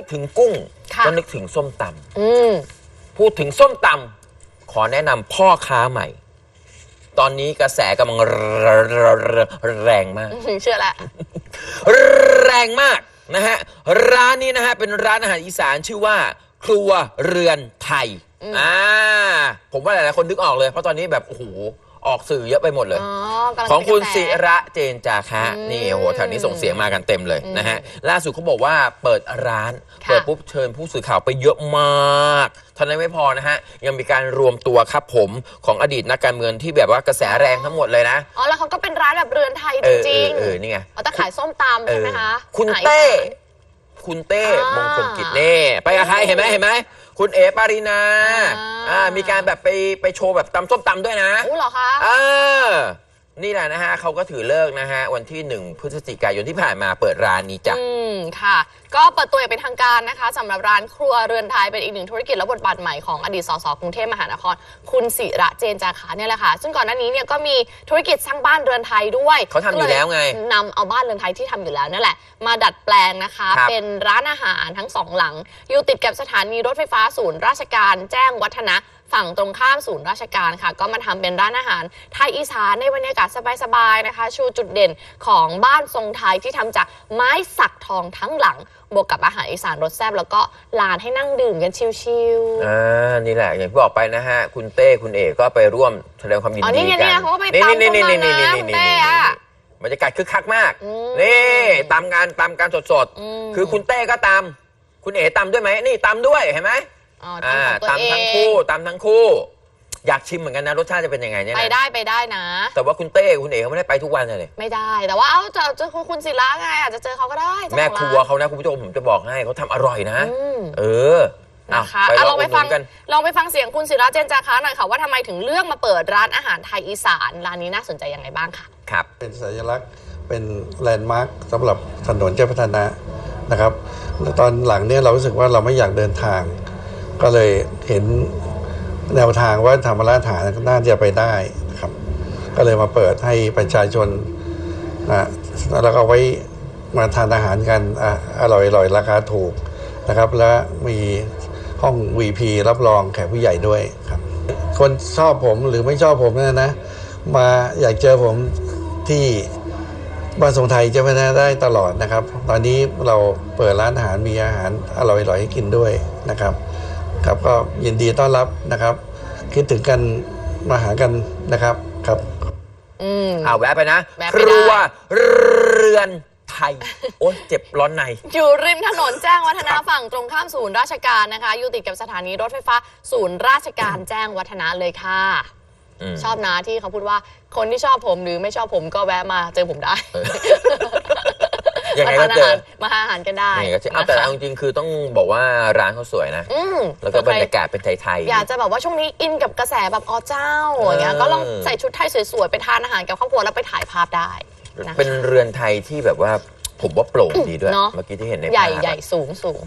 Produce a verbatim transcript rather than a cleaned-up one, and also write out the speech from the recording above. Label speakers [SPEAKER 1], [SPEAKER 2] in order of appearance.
[SPEAKER 1] ถึงกุ้งก็นึกถึงส้มตำพูดถึงส้มตำขอแนะนำพ่อค้าใหม่ตอนนี้กระแสกำลังแรงมาก
[SPEAKER 2] เชื่อละ
[SPEAKER 1] แรงมากนะฮะร้านนี้นะฮะเป็นร้านอาหารอีสานชื่อว่าครัวเรือนไทยอ่าผมว่าหลายๆคนนึกออกเลยเพราะตอนนี้แบบโอ้โหออกสื่อเยอะไปหมดเลยของคุณศิระเจนจาคะนี่โอ้โหแถวนี้ส่งเสียงมากันเต็มเลยนะฮะล่าสุดเขาบอกว่าเปิดร้านเปิดปุ๊บเชิญผู้สื่อข่าวไปเยอะมากเท่านั้นไม่พอนะฮะยังมีการรวมตัวครับผมของอดีตนักการเมืองที่แบบว่ากระแสแรงทั้งหมดเลยนะ
[SPEAKER 2] อ๋อแล้วเขาก็เป็นร้านแบบเรือนไทยจริงๆเออนี่ไงเขาจะขายส้มตำใช่ไหมคะ
[SPEAKER 1] คุณเต้คุณเต้มงคลกิจเน่ไปกับใครเห็นไหมเห็นไหมคุณเอ๋ปารินาอ่ามีการแบบไปไปโชว์แบบตำส้มตำด้วยนะ
[SPEAKER 2] โอ้เหรอคะ
[SPEAKER 1] เออนี่แหละนะฮะเขาก็ถือเลิกนะฮะวันที่หนึ่งพฤศจิกายนที่ผ่านมาเปิดร้านนี้จ้ะ
[SPEAKER 2] อืมค่ะก็เปิดตัวอย่างเป็นทางการนะคะสำหรับร้านครัวเรือนไทยเป็นอีกหนึ่งธุรกิจและบทบาทใหม่ของอดีตสสกรุงเทพมหานครคุณศิระเจนจาคะเนี่ยแหละค่ะซึ่งก่อนหน้านี้เนี่ยก็มีธุรกิจสร้างบ้านเรือนไทยด้วย
[SPEAKER 1] เขาทำอยู่แล้วไง
[SPEAKER 2] นำเอาบ้านเรือนไทยที่ทำอยู่แล้วนั่นแหละมาดัดแปลงนะคะเป็นร้านอาหารทั้งสองหลังอยู่ติดกับสถานีรถไฟฟ้าศูนย์ราชการแจ้งวัฒนะฝั่งตรงข้ามศูนย์ราชการค่ะก็มาทำเป็นร้านอาหารไทยอีสานในบรรยากาศสบายๆนะคะชูจุดเด่นของบ้านทรงไทยที่ทำจากไม้สักทองทั้งหลังบวกกับอาหารอีสานรสแซ่บแล้วก็ลานให้นั่งดื่มกันชิล
[SPEAKER 1] ๆอ่านี่แหละอย่างที่บอกไปนะฮะคุณเต้คุณเอกก็ไปร่วมแสดงความยินดีกัน
[SPEAKER 2] นี่ไงนี่เขาก็ไปตามตรงนั้นนะคุณเต้อะ
[SPEAKER 1] บรรยากาศคึกคักมากนี่ตามงานตามการสดๆคือคุณเต้ก็ตามคุณเอ๋ตามด้วยไหมนี่ตามด้วยเห็นไหม
[SPEAKER 2] อ่า
[SPEAKER 1] ตามทั้งคู่ตามทั้งคู่อยากชิมเหมือนกันนะรสชาติจะเป็นยังไงเนี่ย
[SPEAKER 2] ไปได้ไปได้นะ
[SPEAKER 1] แต่ว่าคุณเต้คุณเอ๋เขาไม่ได้ไปทุกวันเลย
[SPEAKER 2] ไม่ได้แต่ว่าเอ้าจะเจอคุณศิระไงอาจจะเจอเขาก็ได้
[SPEAKER 1] แม่ครัวเขานะคุณผู้ชมผมจะบอกให้เขาทำอร่อยนะเออ
[SPEAKER 2] นะคะลองไปฟังกันลองไปฟังเสียงคุณศิระเจนจาคะหน่อยค่ะว่าทำไมถึงเลือกมาเปิดร้านอาหารไทยอีสานร้านนี้น่าสนใจยังไงบ้างค่ะ
[SPEAKER 1] ครับ
[SPEAKER 3] เป็นสัญลักษณ์เป็นแลนด์มาร์คสำหรับถนนเจ้าพัฒนะนะครับตอนหลังเนี่ยเรารู้สึกว่าเราไม่อยากเดินทางก็เลยเห็นแนวทางว่าทำร้านอาหารน่าจะไปได้นะครับก็เลยมาเปิดให้ประชาชนนะแล้วก็ไว้มาทานอาหารกันอร่อยอร่อยราคาถูกนะครับและมีห้อง วี พี รับรองแขกผู้ใหญ่ด้วยครับคนชอบผมหรือไม่ชอบผมเนี่ยนะมาอยากเจอผมที่บ้านทรงไทยจะไม่ได้ตลอดนะครับตอนนี้เราเปิดร้านอาหารมีอาหารอร่อยๆให้กินด้วยนะครับครับก็ยินดีต้อนรับนะครับคิดถึงกันมาหากันนะครับครับ
[SPEAKER 2] อืม
[SPEAKER 1] เอาแวะไปนะครัวเรือนไทยโอ๊ยเจ็บร้อนใน
[SPEAKER 2] อยู่ริมถนนแจ้งวัฒนะฝั่งตรงข้ามศูนย์ราชการนะคะอยู่ติดกับสถานีรถไฟฟ้าศูนย์ราชการแจ้งวัฒนะเลยค่ะชอบนะที่เขาพูดว่าคนที่ชอบผมหรือไม่ชอบผมก็แวะมาเจอผมได้
[SPEAKER 1] ยังไงก็เจอ
[SPEAKER 2] มาหาอาหารกันได้
[SPEAKER 1] แต่เอาจริงๆคือต้องบอกว่าร้านเขาสวยนะแล้วก็บรรยากาศเป็นไทย
[SPEAKER 2] ๆอยากจะแบบว่าช่วงนี้อินกับกระแสแบบอ๋อเจ้าอย่างเงี้ยก็ลองใส่ชุดไทยสวยๆไปทานอาหารกับครอบครัวแล้วไปถ่ายภาพได้
[SPEAKER 1] เป็นเรือนไทยที่แบบว่าผมว่าโปร่งดีด้วยเมื่อกี้ที่เห็นในภาพ
[SPEAKER 2] ใหญ่ใหญ่สูงสูง